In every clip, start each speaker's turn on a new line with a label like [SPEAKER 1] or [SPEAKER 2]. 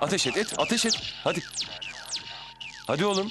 [SPEAKER 1] Ateş et, ateş et. Hadi. Hadi oğlum.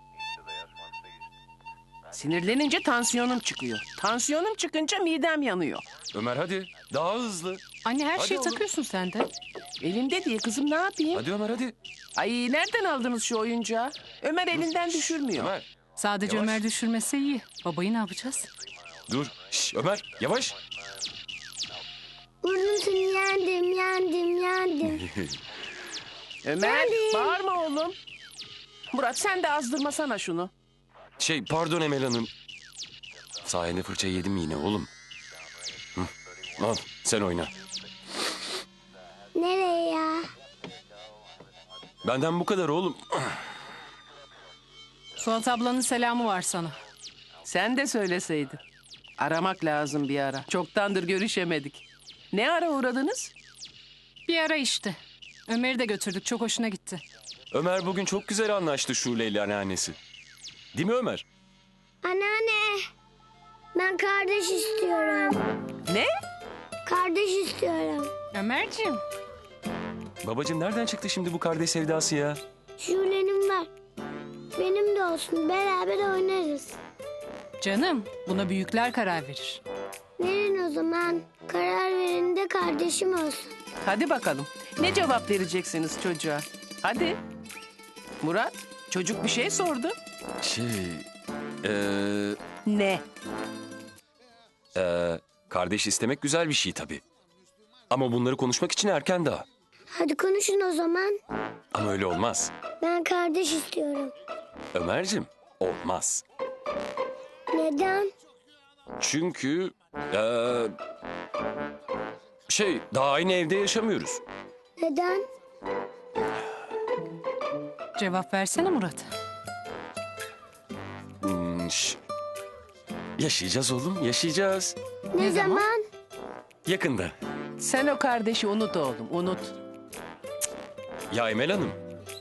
[SPEAKER 2] Sinirlenince tansiyonum çıkıyor. Tansiyonum çıkınca midem yanıyor.
[SPEAKER 1] Ömer hadi. Daha hızlı.
[SPEAKER 3] Anne her
[SPEAKER 1] Hadi
[SPEAKER 3] şeyi
[SPEAKER 1] oğlum.
[SPEAKER 3] takıyorsun sen de.
[SPEAKER 2] Elimde diye kızım, ne yapayım?
[SPEAKER 1] Hadi Ömer hadi.
[SPEAKER 2] Ay, nereden aldınız şu oyuncağı? Ömer elinden düşürmüyor.
[SPEAKER 1] Ömer.
[SPEAKER 3] Sadece
[SPEAKER 1] Yavaş.
[SPEAKER 3] Ömer düşürmese iyi. Babayı ne yapacağız?
[SPEAKER 1] Dur. Şş, Ömer yavaş.
[SPEAKER 4] Vurdum seni, yendim.
[SPEAKER 2] Ömer, bağırma oğlum. Murat, sen de azdırmasana şunu.
[SPEAKER 1] Pardon Emel Hanım. Sayende fırça yedim yine oğlum. Hı. Al sen oyna.
[SPEAKER 4] Nereye ya?
[SPEAKER 1] Benden bu kadar oğlum.
[SPEAKER 3] Suat ablanın selamı var sana.
[SPEAKER 2] Sen de söyleseydin. Aramak lazım bir ara. Çoktandır görüşemedik. Ne ara uğradınız?
[SPEAKER 3] Bir ara işte. Ömer'i de götürdük. Çok hoşuna gitti.
[SPEAKER 1] Ömer bugün çok güzel anlaştı Şule ile anneannesi. Değil mi Ömer?
[SPEAKER 4] Anneanne. Ben kardeş istiyorum.
[SPEAKER 2] Ne?
[SPEAKER 4] Kardeş istiyorum.
[SPEAKER 3] Ömerciğim.
[SPEAKER 1] Babacığım nereden çıktı şimdi bu kardeş sevdası ya?
[SPEAKER 4] Şule'nin var. Benim de olsun. Beraber oynarız.
[SPEAKER 3] Canım, buna büyükler karar verir.
[SPEAKER 4] Verin o zaman. Karar verin de kardeşim olsun.
[SPEAKER 2] Hadi bakalım. Ne cevap vereceksiniz çocuğa? Hadi. Murat, çocuk bir şey sordu. Ne?
[SPEAKER 1] Kardeş istemek güzel bir şey tabii. Ama bunları konuşmak için erken daha.
[SPEAKER 4] Hadi konuşun o zaman.
[SPEAKER 1] Ama öyle olmaz.
[SPEAKER 4] Ben kardeş istiyorum.
[SPEAKER 1] Ömerciğim olmaz.
[SPEAKER 4] Neden?
[SPEAKER 1] Çünkü daha aynı evde yaşamıyoruz.
[SPEAKER 4] Neden?
[SPEAKER 3] Cevap versene Murat.
[SPEAKER 1] Yaşayacağız oğlum, yaşayacağız.
[SPEAKER 4] Ne zaman?
[SPEAKER 1] Yakında.
[SPEAKER 2] Sen o kardeşi unut oğlum, unut.
[SPEAKER 1] Ya Emel Hanım.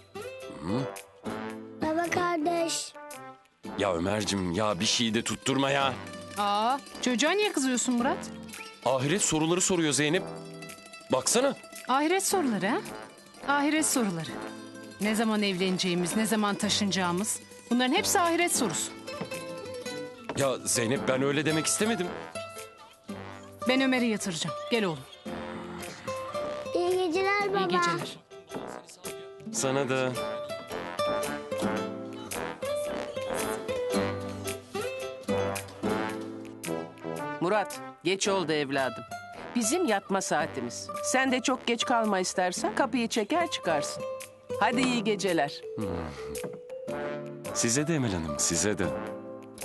[SPEAKER 4] Baba kardeş.
[SPEAKER 1] Ya Ömerciğim ya bir şeyi de tutturma ya.
[SPEAKER 3] Aa, çocuğa niye kızıyorsun Murat?
[SPEAKER 1] Ahiret soruları soruyor Zeynep. Baksana.
[SPEAKER 3] Ahiret soruları ha? Ahiret soruları. Ne zaman evleneceğimiz, ne zaman taşınacağımız. Bunların hepsi ahiret sorusu.
[SPEAKER 1] Ya Zeynep ben öyle demek istemedim.
[SPEAKER 3] Ben Ömer'i yatıracağım. Gel oğlum.
[SPEAKER 4] İyi geceler baba.
[SPEAKER 3] İyi geceler.
[SPEAKER 1] Sana da.
[SPEAKER 2] Murat, geç oldu evladım. Bizim yatma saatimiz. Sen de çok geç kalma istersen kapıyı çeker çıkarsın. Hadi iyi geceler.
[SPEAKER 1] Size de Emel Hanım, size de.